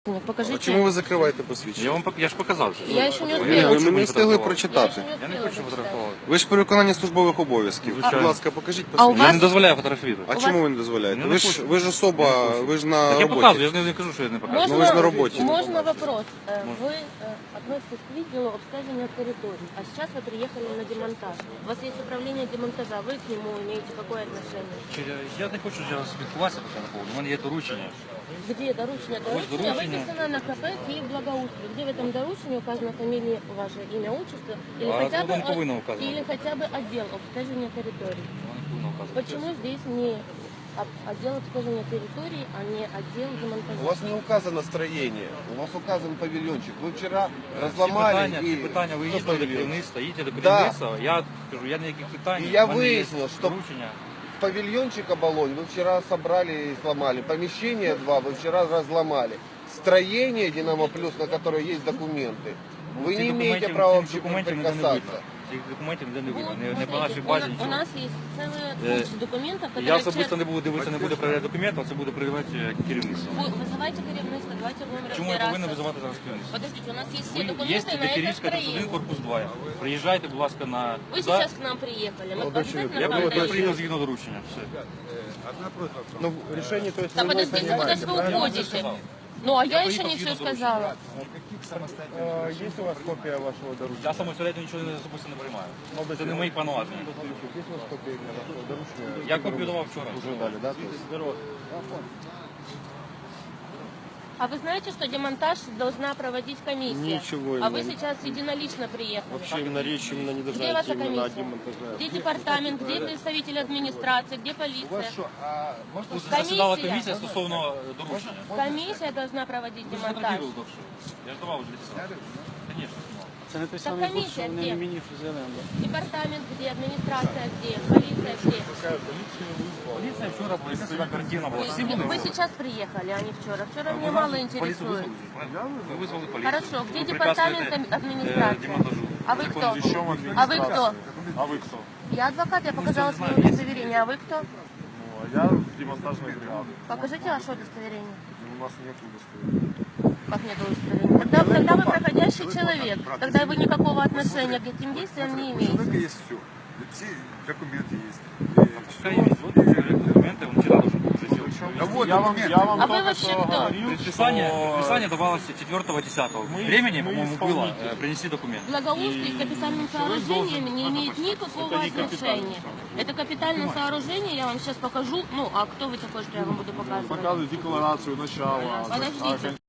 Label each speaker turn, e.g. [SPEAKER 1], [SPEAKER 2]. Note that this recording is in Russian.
[SPEAKER 1] Покажите.
[SPEAKER 2] Чому ви закриваєте посвідчення?
[SPEAKER 3] Я ж показав.
[SPEAKER 1] Я ще не успела.
[SPEAKER 2] Ви не встигли прочитати.
[SPEAKER 3] Я не хочу фотографувати.
[SPEAKER 2] Ви ж при виконанні службових обов'язків. Будь ласка, покажіть
[SPEAKER 1] А у
[SPEAKER 2] посвідчення.
[SPEAKER 3] Я
[SPEAKER 1] вас-
[SPEAKER 3] не дозволяю фотографувати.
[SPEAKER 2] А чому ви не дозволяєте?
[SPEAKER 3] Я не хочу.
[SPEAKER 2] Ви ж особа, ви ж на
[SPEAKER 3] Так я показую,
[SPEAKER 2] роботі.
[SPEAKER 3] я ж не кажу, що я не показую.
[SPEAKER 2] Ну, ви ж на роботі.
[SPEAKER 1] Можно вопрос? Вы относитесь к видео обследования территории, а сейчас вы приехали на демонтаж. У вас есть управление демонтажа, вы к нему имеете какое отношение?
[SPEAKER 3] Я не хочу зараз спілкуватися по цьому поводу. У мене є доручення.
[SPEAKER 1] Где доручение? Доручение выписано на КП Киев Благоустрой. Где в этом доручении указана фамилия, ваше имя, отчество? Или,
[SPEAKER 3] А
[SPEAKER 1] хотя,
[SPEAKER 3] тут
[SPEAKER 1] бы,
[SPEAKER 3] не повинно указано.
[SPEAKER 1] или хотя бы отдел обследования территории?
[SPEAKER 3] Вона не повинна вказувати.
[SPEAKER 1] Почему здесь не отдел обследования территории, а не отдел демонтажа?
[SPEAKER 4] У вас не указано строение, у вас указан павильончик. Вы вчера разломали
[SPEAKER 3] Ці питання, ви
[SPEAKER 4] Что
[SPEAKER 3] їдете до
[SPEAKER 4] павильон?
[SPEAKER 3] керівництва, їдете до
[SPEAKER 4] Да.
[SPEAKER 3] керівництва, я кажу, я ніяких питань.
[SPEAKER 4] І я
[SPEAKER 3] в мене є
[SPEAKER 4] вияснила, що-
[SPEAKER 3] доручення.
[SPEAKER 4] Павильончик оболонь вы вчера собрали и сломали. Помещение 2 вы вчера разломали. Строение Динамо Плюс, на которое есть документы, вы
[SPEAKER 3] Цих
[SPEAKER 4] не имеете
[SPEAKER 3] документів-
[SPEAKER 4] права
[SPEAKER 3] цих
[SPEAKER 4] вообще
[SPEAKER 3] документів ніде не видно.
[SPEAKER 4] прикасаться.
[SPEAKER 3] Цих документів ніде не видно.
[SPEAKER 1] Вот,
[SPEAKER 3] Не по
[SPEAKER 1] смотрите,
[SPEAKER 3] нашій базі
[SPEAKER 1] у
[SPEAKER 3] нічого.
[SPEAKER 1] нас есть целая куча документов, которые...
[SPEAKER 3] Я особисто не буду дивитися, не буду перевіряти документи, а це буде перевіряти керівництво.
[SPEAKER 1] Вы вызывайте керівництво, давайте будем
[SPEAKER 3] Чому я повинен
[SPEAKER 1] разбираться.
[SPEAKER 3] визивати зараз керівництво?
[SPEAKER 1] Подождите, у нас есть все
[SPEAKER 3] Ви є
[SPEAKER 1] документы на это
[SPEAKER 3] Кирівська 31,
[SPEAKER 1] строение.
[SPEAKER 3] корпус 2. Приїжджайте, будь ласка, на...
[SPEAKER 1] Вы сейчас к нам приехали, мы обязательно
[SPEAKER 3] Я
[SPEAKER 1] к вам
[SPEAKER 3] приїхав
[SPEAKER 1] приедем.
[SPEAKER 3] згідно доручення. Все.
[SPEAKER 4] Ну, решение, то есть,
[SPEAKER 1] Да подождите, куда же вы уходите? Ну, а я еще не все сказала.
[SPEAKER 4] есть у вас копия вашего доручения?
[SPEAKER 3] Я самостоятельно нічого особисто не приймаю. Це не мої повноваження.
[SPEAKER 4] Есть у вас копия вашего доручения?
[SPEAKER 3] Я копію давав вчора.
[SPEAKER 4] Уже дали, да? То есть,
[SPEAKER 1] А вы знаете, что демонтаж должна проводить комиссия?
[SPEAKER 2] Ничего
[SPEAKER 1] А
[SPEAKER 2] не
[SPEAKER 1] вы
[SPEAKER 2] знаю.
[SPEAKER 1] сейчас единолично приехали.
[SPEAKER 2] Вообще именно речь именно не должна
[SPEAKER 1] Где ваша
[SPEAKER 2] идти именно о
[SPEAKER 1] комиссия?
[SPEAKER 2] демонтаже.
[SPEAKER 1] Где департамент, где представитель администрации, где полиция?
[SPEAKER 3] Тут засідала комісія стосовно доручення.
[SPEAKER 1] Комиссия должна проводить
[SPEAKER 3] Ви ж
[SPEAKER 1] демонтаж.
[SPEAKER 3] фотографували довше. Я ж давав вже десятки. Звісно.
[SPEAKER 5] Це не той
[SPEAKER 1] Так
[SPEAKER 5] самий
[SPEAKER 1] комісія
[SPEAKER 5] був, що
[SPEAKER 1] де?
[SPEAKER 5] не мені фізіонем.
[SPEAKER 1] Департамент где, администрация где, полиция где?
[SPEAKER 3] Поліція вчора поліцейська картина була. Всі були.
[SPEAKER 1] Вы сейчас приехали, а не вчера. Вчера меня
[SPEAKER 3] Ви
[SPEAKER 1] мало
[SPEAKER 3] нас поліцію
[SPEAKER 1] интересует.
[SPEAKER 3] визвали, правильно? Ви визвали поліцію.
[SPEAKER 1] Хорошо, где
[SPEAKER 3] Ви
[SPEAKER 1] департамент
[SPEAKER 3] препятствуєте,
[SPEAKER 1] администрации?
[SPEAKER 3] демонтажу.
[SPEAKER 1] А вы кто? А вы кто?
[SPEAKER 6] А вы кто?
[SPEAKER 1] Я адвокат, я показала
[SPEAKER 3] всё
[SPEAKER 1] свое
[SPEAKER 3] знаем.
[SPEAKER 1] удостоверение. А вы кто?
[SPEAKER 6] Ну, а я демонтажная бригада.
[SPEAKER 1] Покажите ваше удостоверение.
[SPEAKER 6] У нас нет удостоверения.
[SPEAKER 1] Как нет удостоверения? Тогда вы проходящий человек. Тогда вы никакого отношения к этим действиям не
[SPEAKER 6] У
[SPEAKER 1] имеете.
[SPEAKER 6] человека есть все. Все документы есть.
[SPEAKER 3] Пускай є документи, він вчора должен був вже зробити.
[SPEAKER 6] А вот
[SPEAKER 5] Я вам
[SPEAKER 1] А вы
[SPEAKER 5] только
[SPEAKER 1] вообще
[SPEAKER 5] что
[SPEAKER 1] кто?
[SPEAKER 5] говорил,
[SPEAKER 3] Предписание давалось 4-10. Времени, по-моему, было принести документы.
[SPEAKER 1] Благоустрой к капитальным сооружениям не имеет никакого отношения. Это капитальное сооружение, я вам сейчас покажу. Ну, а кто вы такой, что я вам буду показывать?
[SPEAKER 6] показывает декларацию начала.
[SPEAKER 1] Подождите.